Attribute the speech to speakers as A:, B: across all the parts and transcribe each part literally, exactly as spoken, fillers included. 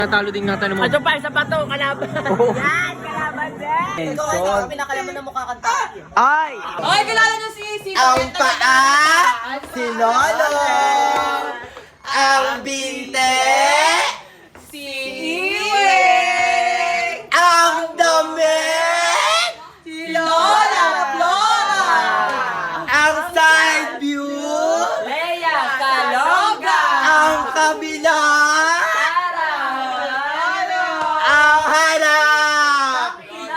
A: Natalo din nga tayo mo.
B: Ito pa, isa pa to, kalaban.
A: Oh.
B: Yan, kalaban din.
C: Ikaw, ikaw ang pinakalaman na mukha kanta.
A: Ay!
B: Okay, kilala nyo si... si
C: Ang paa, si Lolo. Ang binte,
B: Si Iwe.
C: ang damit,
B: Si Lola. Flora.
C: ang side view,
B: Leia Saloga.
C: ang kabila, ang harap.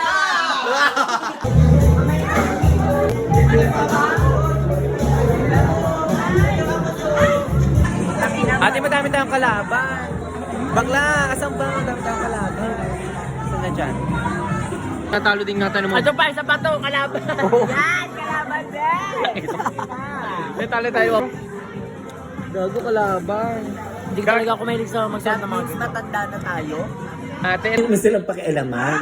A: Ate, madami tayong kalaban. Bakla, asan ba? Madami tayong kalaban. Asan na dyan? Natalo din nga tayo mo.
B: Ito pa, isa pa to, kalaban. Yan, kalaban din.
A: Natalo tayo. Gago kalaban.
B: Hindi ka talaga ako mahilig sa magsuot ng mga
C: Means matanda na tayo.
A: Ate, ano na silang pakialaman?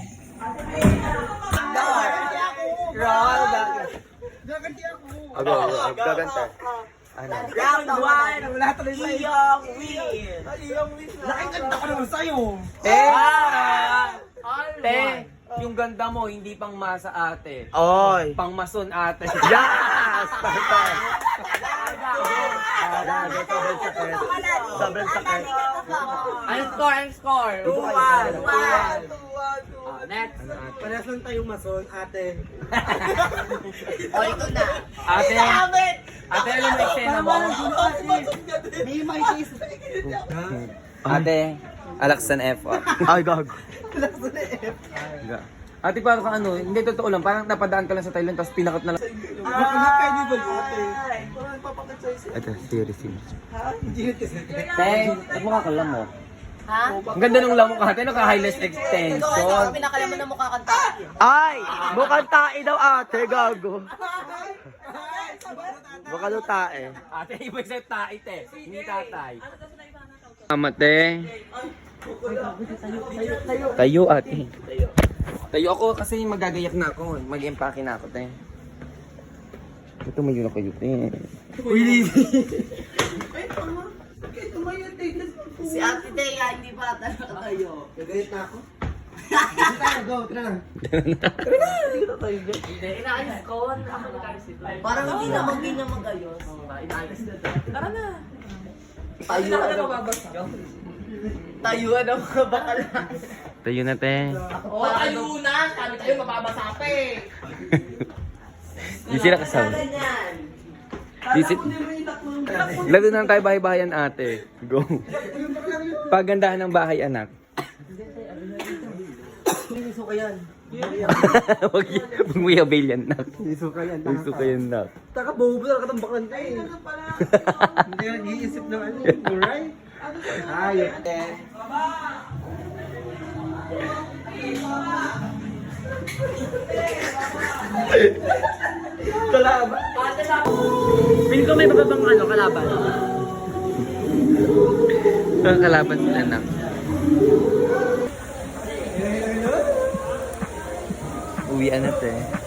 C: Roll back.
A: Abo, gaganta. Ano?
C: Round one. Wala tuloy sa iyong win. Nakikanta ko naman sa'yo.
A: Eh! Te, yung ganda mo, hindi pang masa ate.
C: Oy.
A: Pang mason ate.
C: Yes! Perfect. Sobrang sakit.
B: Ang score, ang score.
C: two one.
B: Ah, next.
C: Parehas lang tayong mason, ate.
B: O, ito na.
A: Ate, ate, alam mo eksena mo?
C: May may case.
A: Ate, Alaksan F. Ay, gago. Ate, parang kang ano, hindi totoo lang, parang napadaan ka lang sa Thailand, tapos pinakot na lang.
C: Baka na kayo ba ate? Parang nagpapakit sa'yo siya.
A: Ito, serious yun.
C: Hindi na kasi.
A: Te, ba't mukha ka lang mo?
B: Ha?
A: Ang ganda ng lamok ate, naka-highlight
C: Ikaw, ikaw
A: extension.
C: ang pinakalaman na mukha kanta.
A: Ay! Mukhang tae daw ate, gago. Baka daw tae. Ate, iba sa tae, te. Hindi tatay. Amate. Tayo, ate. Tayo ako kasi magagayak na ako. Mag-empake na ako, te. Ito may yun ako yun, te. Uy,
C: Si Ate Dea, hindi pa talaga tayo. Gagayit na ako? Hindi tayo, go, tara na.
B: Hindi, inaayos ko. Ako nag-ayos ito.
C: Parang hindi na mag na mag-ayos.
B: Inaayos na ito. Tara na.
C: Tayo na ka mababasa. Tayo na mga bakala.
A: tayo na, te.
B: O, tayo na. Sabi tayo, mababasa pa eh.
A: Di sila kasama. Di si... Lalo na lang tayo bahay-bahayan, ate. Go. Pagandahan ng bahay, anak.
C: Iso ka yan.
A: Huwag y- huwag mo i-avail yan, nak.
C: Iso ka yan.
A: Gusto ko yan, nak.
C: Taka, bobo na katambaklan ka eh. Hindi ka nag-iisip ng ano, right? Ayos. Kalaban.
B: Pili ko may bababang ano, kalaban.
A: Ang kalaban sila, nak. Uwian na, te.